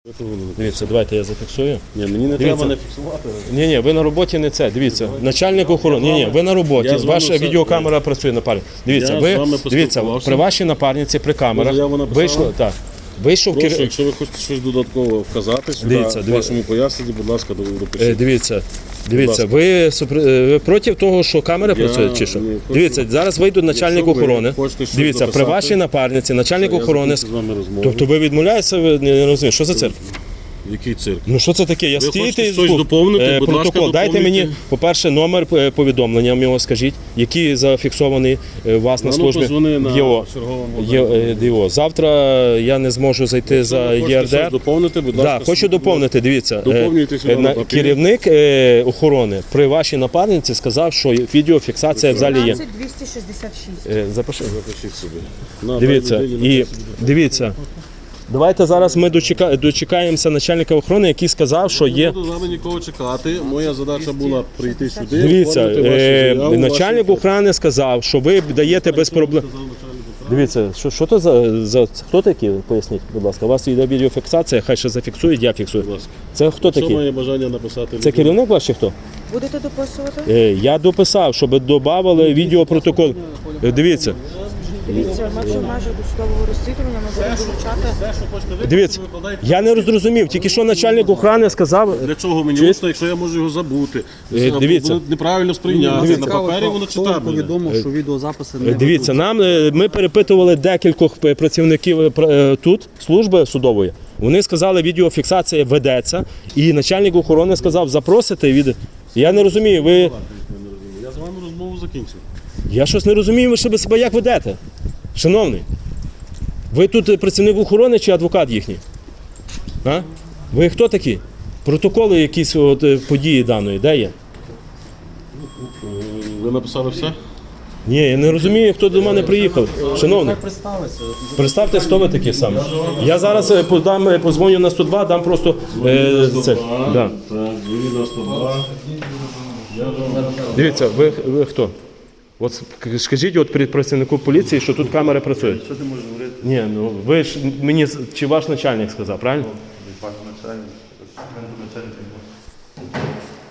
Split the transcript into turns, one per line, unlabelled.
Дивіться, давайте я зафіксую.
Ні, мені не треба не фіксувати.
Ні, ви на роботі не це. Дивіться, начальник охорони. Ні, ви на роботі. Ваша відеокамера працює на парі. Дивіться, дивіться, при вашій напарниці, при камерах вийшло, так. Вийшов
Прошу, якщо ви хочете щось додатково вказати сюди, в вашому поясненні, будь ласка, допишіть.
Дивіться, ви проти того, що камери працюють чи що? Дивіться, зараз вийде начальник охорони. Дивіться, при вашій напарниці, начальник охорони. Тобто ви відмовляєтеся, ви не розумієте, що за цирк?
Який цирк?
Ну що це таке? Я стійте і
протокол.
Дайте мені, по-перше, номер повідомлення його скажіть, який зафіксований у вас на службі ЄО. Завтра я не зможу зайти за ЄРДР.
Доповнити, будь ласка.
Хочу доповнити, дивіться. Керівник охорони при вашій напарниці сказав, що відеофіксація в залі є.
266.
Запиши.
Запишіть собі.
Дивіться. Давайте зараз ми дочекаємося начальника охорони, який сказав, що є.
Не буду з вами нікого чекати. Моя задача була прийти сюди.
Дивіться, начальник охорони сказав, що ви даєте без проблем. Дивіться, що то за хто такі? Поясніть, будь ласка. У вас йде відеофіксація, хай ще зафіксують, я фіксую. Це хто такий?
Що має бажання написати?
Це керівник ваш чи хто?
Будете дописувати?
Я дописав, щоб додавали відеопротокол. Дивіться.
Дивіться, ми вже майже до судового розслідування, ми будемо вилучати.
Дивіться, я не зрозумів, тільки що начальник охорони сказав.
Для чого мені усно, якщо я можу його забути?
Дивіться.
Неправильно сприйняти. На папері воно читабельне.
Повідомив, що відеозаписи не
Дивіться, ми перепитували декількох працівників тут, служби судової. Вони сказали, відеофіксація ведеться, і начальник охорони сказав, запросите від. Я не розумію, ви.
Я з вами розмову закінчив.
Я щось не розумію, ви себе як ведете, шановний. Ви тут працівник охорони чи адвокат їхній? А? Ви хто такі? Протоколи якісь події даної, де є?
Ви написали все?
Ні, я не розумію, хто до мене приїхав. Шановний, представте, хто ви такі саме. Я зараз позвоню на 102, дам просто це. Да.
Так, дзвоніть на 102.
Дивіться, ви хто? От скажіть от працівнику поліції, що тут камери працюють.
Що ти можеш говорити?
Ні, ну ви ж мені, чи ваш начальник сказав, правильно?